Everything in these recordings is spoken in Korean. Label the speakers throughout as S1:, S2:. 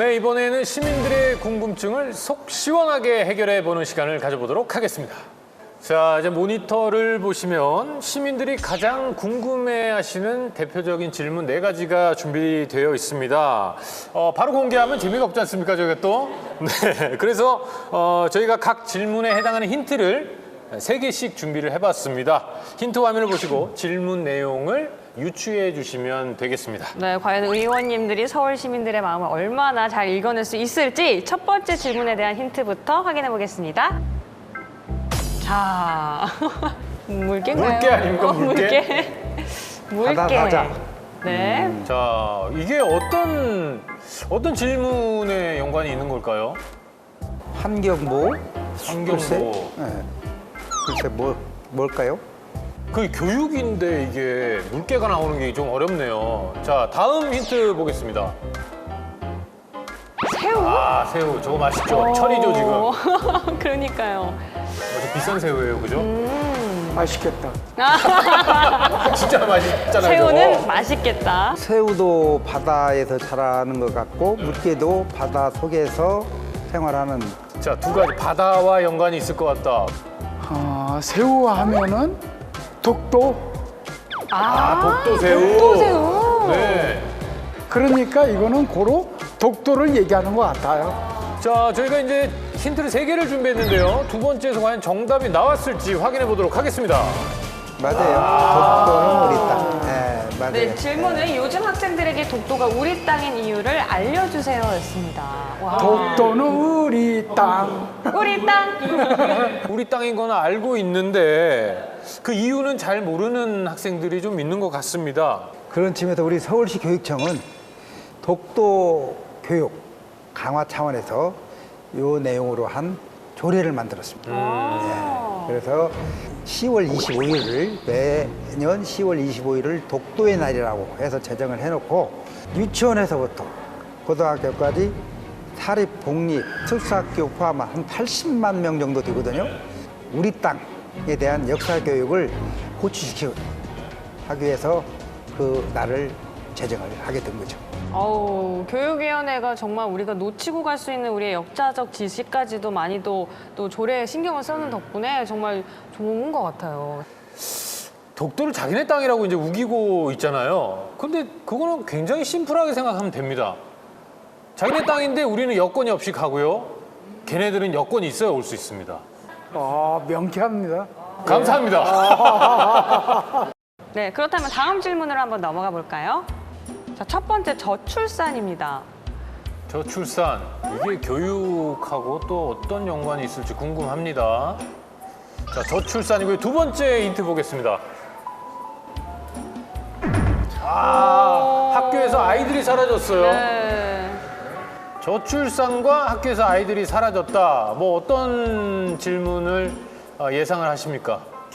S1: 네, 이번에는 시민들의 궁금증을 속 시원하게 해결해보는 시간을 가져보도록 하겠습니다. 자, 이제 모니터를 보시면 시민들이 가장 궁금해하시는 대표적인 질문 4가지가 준비되어 있습니다. 바로 공개하면 재미가 없지 않습니까, 저희가 또? 네, 그래서 저희가 각 질문에 해당하는 힌트를 3개씩 준비를 해봤습니다. 힌트 화면을 보시고 질문 내용을 유추해 주시면 되겠습니다.
S2: 네, 과연 의원님들이 서울 시민들의 마음을 얼마나 잘 읽어낼 수 있을지 첫 번째 질문에 대한 힌트부터 확인해 보겠습니다. 자, 물개인가요?
S1: 물개 아닙니까, 물개?
S2: 물개.
S3: 바다.
S2: 네.
S1: 자, 이게 어떤 질문에 연관이 있는 걸까요?
S3: 환경보.
S1: 환경보.
S3: 글쎄 뭘까요?
S1: 그 교육인데 이게 물개가 나오는 게 좀 어렵네요. 자, 다음 힌트 보겠습니다.
S2: 새우?
S1: 아, 새우. 저거 맛있죠? 철이죠, 지금.
S2: 그러니까요.
S1: 아주 비싼 새우예요, 그죠?
S3: 맛있겠다.
S1: 진짜 맛있잖아요,
S2: 새우는
S1: 저거.
S2: 맛있겠다.
S3: 새우도 바다에서 자라는 것 같고 물개도 바다 속에서 생활하는.
S1: 자, 2가지. 바다와 연관이 있을 것 같다.
S4: 새우 하면은 독도.
S1: 독도새우.
S2: 독도새우.
S1: 네.
S4: 그러니까 이거는 고로 독도를 얘기하는 것 같아요.
S1: 자, 저희가 이제 힌트를 3개를 준비했는데요. 2번째에서 과연 정답이 나왔을지 확인해 보도록 하겠습니다.
S3: 맞아요. 독도는 우리 땅. 네, 맞아요.
S2: 네, 질문은 요즘 학생들에게 독도가 우리 땅인 이유를 알려주세요였습니다. 와.
S4: 독도는 우리 땅.
S2: 우리 땅.
S1: 우리 땅인 건 알고 있는데 그 이유는 잘 모르는 학생들이 좀 있는 것 같습니다.
S3: 그런 측면에서 우리 서울시 교육청은 독도 교육 강화 차원에서 요 내용으로 한 조례를 만들었습니다. 그래서 10월 25일을 매년 10월 25일을 독도의 날이라고 해서 제정을 해놓고 유치원에서부터 고등학교까지 사립, 공립, 특수학교 포함한 한 80만 명 정도 되거든요. 우리 땅에 대한 역사 교육을 고취시키기 하기 위해서 그 날을 제정을 하게 된 거죠.
S2: 교육위원회가 정말 우리가 놓치고 갈 수 있는 우리의 역사적 지식까지도 많이 또 조례에 신경을 쓰는 덕분에 정말 좋은 것 같아요.
S1: 독도를 자기네 땅이라고 이제 우기고 있잖아요. 근데 그거는 굉장히 심플하게 생각하면 됩니다. 자기네 땅인데 우리는 여건이 없이 가고요. 걔네들은 여건이 있어야 올 수 있습니다.
S4: 명쾌합니다.
S1: 감사합니다.
S2: 네, 그렇다면 다음 질문으로 한번 넘어가 볼까요? 자, 첫 번째 저출산입니다.
S1: 저출산, 이게 교육하고 또 어떤 연관이 있을지 궁금합니다. 자, 저출산이고요. 2번째 힌트 보겠습니다. 학교에서 아이들이 사라졌어요.
S2: 네.
S1: 저출산과 학교에서 아이들이 사라졌다. 뭐 어떤 질문을 예상을 하십니까?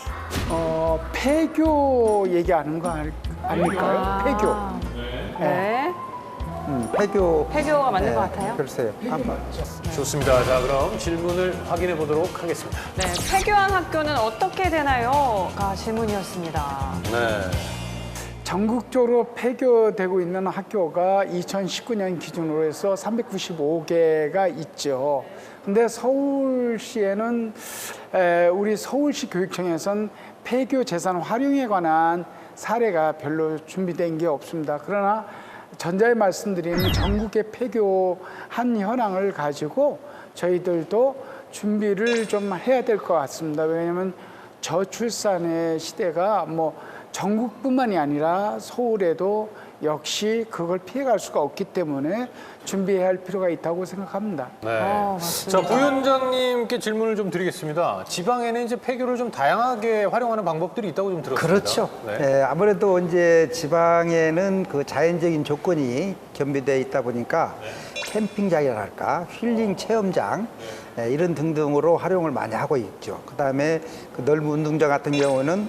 S4: 폐교 얘기하는 거 아닐까요? 폐교.
S2: 네.
S3: 폐교가
S2: 맞는 것 같아요?
S3: 글쎄요. 한번.
S1: 좋습니다. 자, 그럼 질문을 확인해 보도록 하겠습니다.
S2: 네, 폐교한 학교는 어떻게 되나요?가 질문이었습니다.
S1: 네.
S4: 전국적으로 폐교되고 있는 학교가 2019년 기준으로 해서 395개가 있죠. 근데 서울시에는 우리 서울시 교육청에선 폐교 재산 활용에 관한 사례가 별로 준비된 게 없습니다. 그러나 전자에 말씀드린 전국의 폐교한 현황을 가지고 저희들도 준비를 좀 해야 될 것 같습니다. 왜냐하면 저출산의 시대가 전국뿐만이 아니라 서울에도 역시 그걸 피해갈 수가 없기 때문에 준비해야 할 필요가 있다고 생각합니다.
S1: 네.
S2: 맞습니다.
S1: 자, 부위원장님께 질문을 좀 드리겠습니다. 지방에는 이제 폐교를 좀 다양하게 활용하는 방법들이 있다고 좀 들었습니다.
S3: 그렇죠.
S1: 네.
S3: 아무래도 이제 지방에는 그 자연적인 조건이 겸비되어 있다 보니까 캠핑장이랄까 힐링 체험장 이런 등등으로 활용을 많이 하고 있죠. 그다음에 그 넓은 운동장 같은 경우는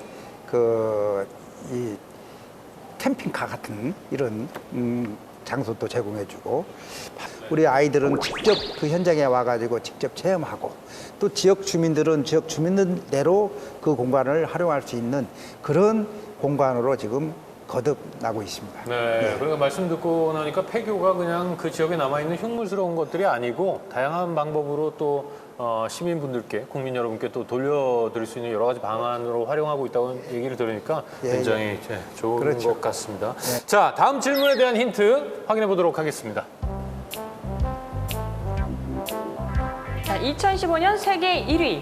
S3: 이 캠핑카 같은 이런 장소도 제공해주고 우리 아이들은 직접 그 현장에 와가지고 직접 체험하고 또 지역 주민들은 지역 주민들대로 그 공간을 활용할 수 있는 그런 공간으로 지금 거듭나고 있습니다.
S1: 네, 그러니까 말씀 듣고 나니까 폐교가 그냥 그 지역에 남아있는 흉물스러운 것들이 아니고 다양한 방법으로 또 시민분들께, 국민 여러분께 또 돌려드릴 수 있는 여러 가지 방안으로 활용하고 있다고 얘기를 들으니까
S3: 예,
S1: 굉장히 좋은
S3: 그렇죠.
S1: 것 같습니다. 자, 다음 질문에 대한 힌트 확인해 보도록 하겠습니다.
S2: 자, 2015년 세계 1위.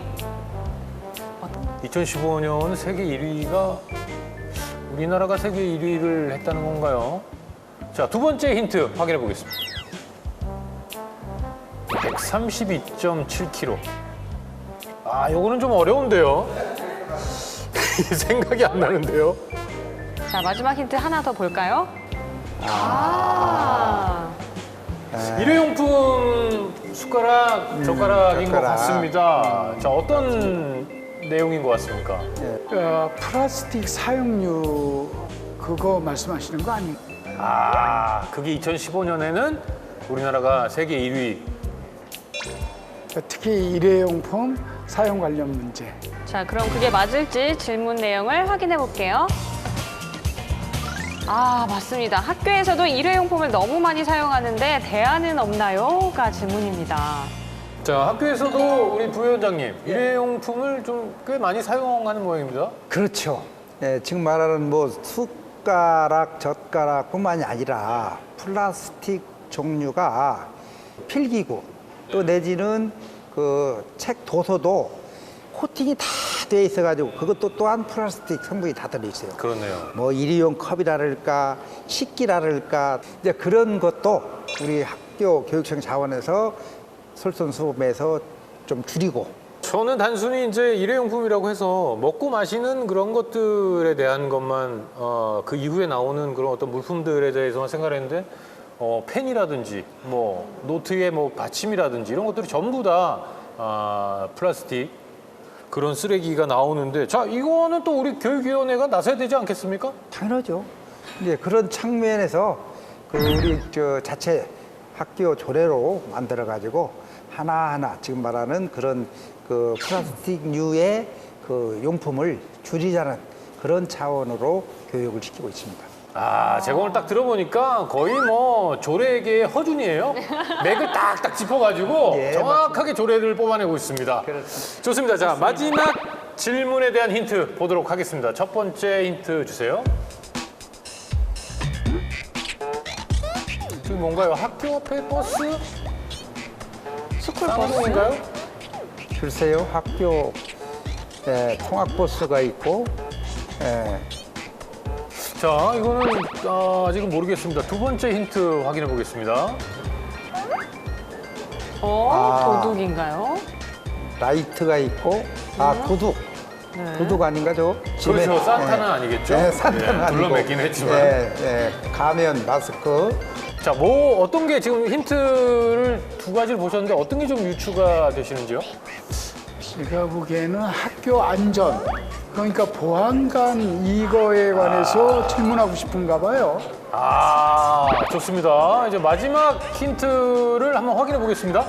S1: 2015년 세계 1위가 우리나라가 세계 1위를 했다는 건가요? 자, 두 번째 힌트 확인해 보겠습니다. 132.7kg. 아, 요거는 좀 어려운데요. 생각이 안 나는데요.
S2: 자, 마지막 힌트 하나 더 볼까요?
S1: 일회용품 숟가락, 젓가락인 것
S3: 젓가락.
S1: 같습니다. 자, 어떤 내용인 것 같습니까?
S4: 플라스틱 사용료 그거 말씀하시는 거 아니에요?
S1: 아, 그게 2015년에는 우리나라가 세계 1위.
S4: 특히 일회용품 사용 관련 문제.
S2: 자, 그럼 그게 맞을지 질문 내용을 확인해 볼게요. 아, 맞습니다. 학교에서도 일회용품을 너무 많이 사용하는데 대안은 없나요? 가 질문입니다.
S1: 자, 학교에서도 우리 부위원장님, 일회용품을 좀 꽤 많이 사용하는 모양입니다.
S3: 그렇죠. 예, 지금 말하는 뭐 숟가락, 젓가락뿐만이 아니라 플라스틱 종류가 필기구 또 내지는 그 책 도서도 코팅이 다 돼 있어가지고 그것도 또한 플라스틱 성분이 다 들어있어요.
S1: 그렇네요.
S3: 뭐 일회용 컵이라랄까 식기라랄까 이제 그런 것도 우리 학교 교육청 자원에서 솔선수범해서 좀 줄이고
S1: 저는 단순히 이제 일회용품이라고 해서 먹고 마시는 그런 것들에 대한 것만 그 이후에 나오는 그런 어떤 물품들에 대해서만 생각했는데 펜이라든지 뭐 노트의 뭐 받침이라든지 이런 것들이 전부 다 플라스틱 그런 쓰레기가 나오는데 자 이거는 또 우리 교육위원회가 나서야 되지 않겠습니까?
S3: 당연하죠. 이제 그런 측면에서 그 우리 저 자체 학교 조례로 만들어 가지고 하나하나 지금 말하는 그런 그 플라스틱류의 그 용품을 줄이자는 그런 차원으로 교육을 시키고 있습니다.
S1: 아, 제가 오늘 딱 들어보니까 거의 뭐 조례계의 허준이에요. 맥을 딱딱 짚어가지고
S3: 예,
S1: 정확하게 조례를 뽑아내고 있습니다.
S3: 그렇습니다.
S1: 좋습니다. 자, 마지막 질문에 대한 힌트 보도록 하겠습니다. 첫 번째 힌트 주세요. 지금 뭔가요? 학교 앞에 버스?
S2: 스쿨버스?
S1: 쌍둥이인가요?
S3: 글쎄요, 학교 통학버스가 있고
S1: 자, 이거는 아직은 모르겠습니다. 두 번째 힌트 확인해 보겠습니다.
S2: 도둑인가요?
S3: 라이트가 있고 구두.
S2: 네.
S3: 구두 아닌가 저?
S1: 그렇죠. 산타는 아니겠죠?
S3: 네, 산타는 아니고.
S1: 불러매긴 했지만.
S3: 가면, 마스크.
S1: 자, 뭐 어떤 게 지금 힌트를 두 가지를 보셨는데 어떤 게 좀 유추가 되시는지요?
S4: 제가 보기에는 학교 안전, 그러니까 보안관 이거에 관해서 질문하고 싶은가 봐요.
S1: 아, 좋습니다. 이제 마지막 힌트를 한번 확인해 보겠습니다.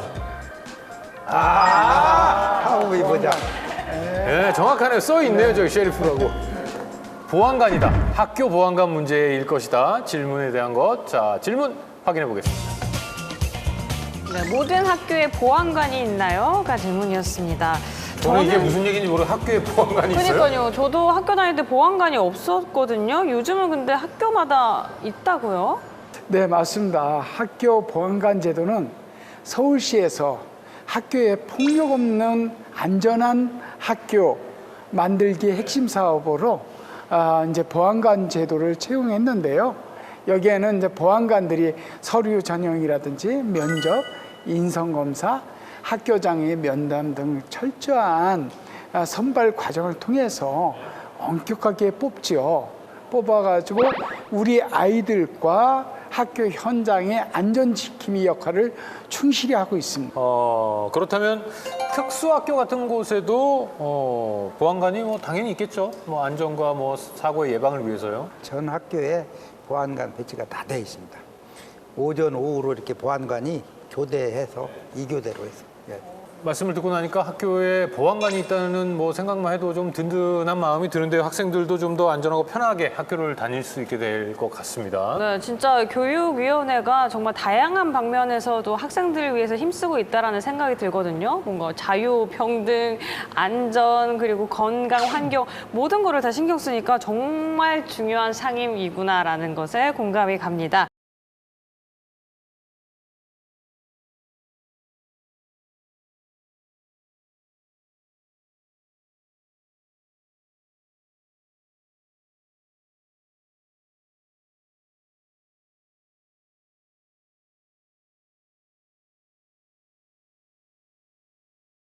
S3: 하우이 보자.
S1: 네, 정확하네요. 써 있네요, 저기 셰리프라고. 보안관이다. 학교 보안관 문제일 것이다. 질문에 대한 것. 자, 질문 확인해 보겠습니다.
S2: 네, 모든 학교에 보안관이 있나요? 가 질문이었습니다.
S1: 저는 이게 무슨 얘기인지 모르고 학교에 보안관이 있어요?
S2: 그러니까요. 저도 학교 다닐 때 보안관이 없었거든요. 요즘은 근데 학교마다 있다고요?
S4: 네, 맞습니다. 학교 보안관 제도는 서울시에서 학교에 폭력 없는 안전한 학교 만들기 핵심 사업으로 이제 보안관 제도를 채용했는데요. 여기에는 이제 보안관들이 서류 전형이라든지 면접, 인성검사, 학교장의 면담 등 철저한 선발 과정을 통해서 엄격하게 뽑지요. 뽑아가지고 우리 아이들과 학교 현장의 안전지킴이 역할을 충실히 하고 있습니다.
S1: 그렇다면 특수학교 같은 곳에도 보안관이 뭐 당연히 있겠죠. 뭐 안전과 뭐 사고의 예방을 위해서요.
S3: 전 학교에 보안관 배치가 다 되어 있습니다. 오전, 오후로 이렇게 보안관이 교대해서 2교대로 해서. 예.
S1: 말씀을 듣고 나니까 학교에 보안관이 있다는 뭐 생각만 해도 좀 든든한 마음이 드는데요. 학생들도 좀 더 안전하고 편하게 학교를 다닐 수 있게 될 것 같습니다.
S2: 네, 진짜 교육위원회가 정말 다양한 방면에서도 학생들을 위해서 힘쓰고 있다라는 생각이 들거든요. 뭔가 자유, 평등, 안전, 그리고 건강, 환경 모든 거를 다 신경 쓰니까 정말 중요한 상임이구나라는 것에 공감이 갑니다.